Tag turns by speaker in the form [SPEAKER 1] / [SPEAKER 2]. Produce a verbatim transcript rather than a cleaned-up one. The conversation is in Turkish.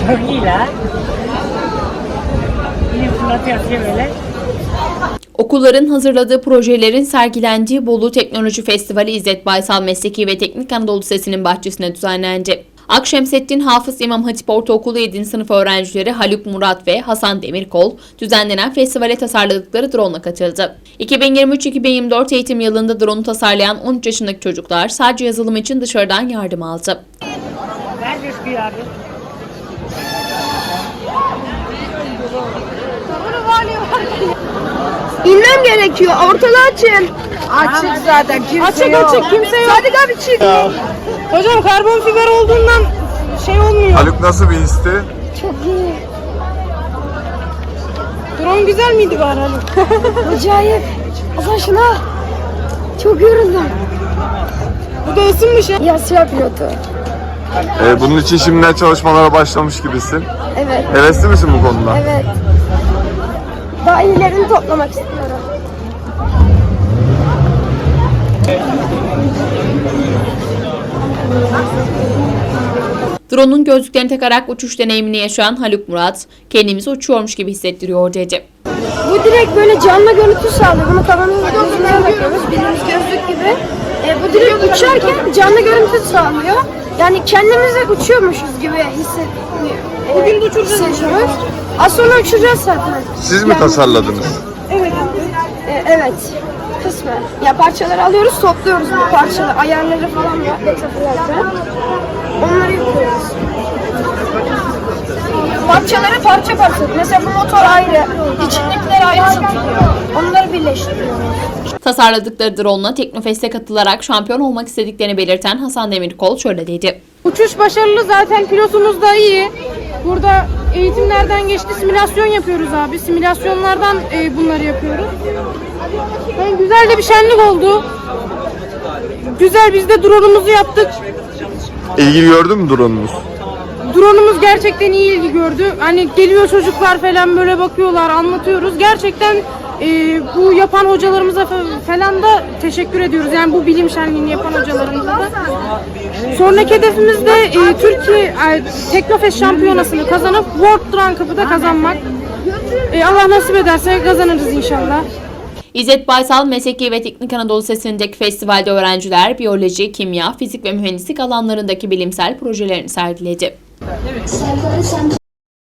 [SPEAKER 1] Çok iyi la. Yine fırlatıyor böyle.
[SPEAKER 2] Okulların hazırladığı projelerin sergilendiği Bolu Teknoloji Festivali İzzet Baysal Mesleki ve Teknik Anadolu Lisesi'nin bahçesine düzenlendi. Akşemseddin Hafız İmam Hatip Ortaokulu yedinci sınıf öğrencileri Haluk Murat ve Hasan Demirkol düzenlenen festivale tasarladıkları drone'la katıldı. iki bin yirmi üç iki bin yirmi dört eğitim yılında drone'u tasarlayan on üç yaşındaki çocuklar sadece yazılım için dışarıdan yardım aldı.
[SPEAKER 1] Nerede çıkıyor abi?
[SPEAKER 3] İnmem gerekiyor. Ortalığı açın.
[SPEAKER 4] Açık zaten kimse
[SPEAKER 3] Açık
[SPEAKER 4] yok.
[SPEAKER 3] açık kimse yok. Sadık abi çık.
[SPEAKER 4] Hocam karbon fiber olduğundan şey olmuyor.
[SPEAKER 5] Haluk nasıl bir histi?
[SPEAKER 3] Çok iyi.
[SPEAKER 4] Drone güzel miydi bari Haluk?
[SPEAKER 3] Acayip. Allah şuna. Çok yoruldum.
[SPEAKER 4] Bu da ısınmış ya.
[SPEAKER 3] Ya siyah pilotu.
[SPEAKER 5] Ee, bunun için şimdiden çalışmalara başlamış gibisin.
[SPEAKER 3] Evet.
[SPEAKER 5] Hevesli misin bu konuda?
[SPEAKER 3] Evet. Daha iyilerini toplamak istiyorum.
[SPEAKER 2] Drone'un gözlüklerini takarak uçuş deneyimini yaşayan Haluk Murat, kendimizi uçuyormuş gibi hissettiriyor dedi.
[SPEAKER 3] Bu direkt böyle canlı görüntü sağlıyor. Bunu kafanın gözüne bakıyoruz. Bildiğimiz gözlük gibi. E, bu direkt uçarken canlı görüntü sağlıyor. Yani kendimize uçuyormuşuz gibi hissediyoruz.
[SPEAKER 4] Bugün de uçuracağız.
[SPEAKER 3] Az sonra uçacağız zaten.
[SPEAKER 5] Siz mi
[SPEAKER 3] Yani-
[SPEAKER 5] tasarladınız?
[SPEAKER 4] Evet.
[SPEAKER 3] E, evet. Kısmen. Ya parçaları alıyoruz, topluyoruz bu parçaları. Ayarları falan var. Detaylarda. Onları yapıyoruz. Parçaları parça parça. Mesela bu motor ayrı, içindekiler ayrı satılıyor. Onları birleştiriyoruz.
[SPEAKER 2] Tasarladıkları drone'la Teknofest'e katılarak şampiyon olmak istediklerini belirten Hasan Demirkol şöyle dedi.
[SPEAKER 4] Uçuş başarılı zaten pilotumuz da iyi. Burada eğitimlerden geçti simülasyon yapıyoruz abi. Simülasyonlardan e, bunları yapıyoruz. Yani güzel de bir şenlik oldu. Güzel biz de drone'umuzu yaptık.
[SPEAKER 5] İlgi gördün mü drone'unuz?
[SPEAKER 4] Drone'umuz gerçekten iyi ilgi gördü. Hani geliyor çocuklar falan böyle bakıyorlar, anlatıyoruz. Gerçekten e, bu yapan hocalarımıza fa- falan da teşekkür ediyoruz. Yani bu bilim şenliğini yapan hocalarımıza da. Sonraki hedefimiz de e, Türkiye e, Teknofest şampiyonasını kazanıp World Drone Cup'ı da kazanmak. E, Allah nasip ederse kazanırız inşallah.
[SPEAKER 2] İzzet Baysal Mesleki ve Teknik Anadolu Lisesi'ndeki festivalde öğrenciler biyoloji, kimya, fizik ve mühendislik alanlarındaki bilimsel projelerini sergiledi.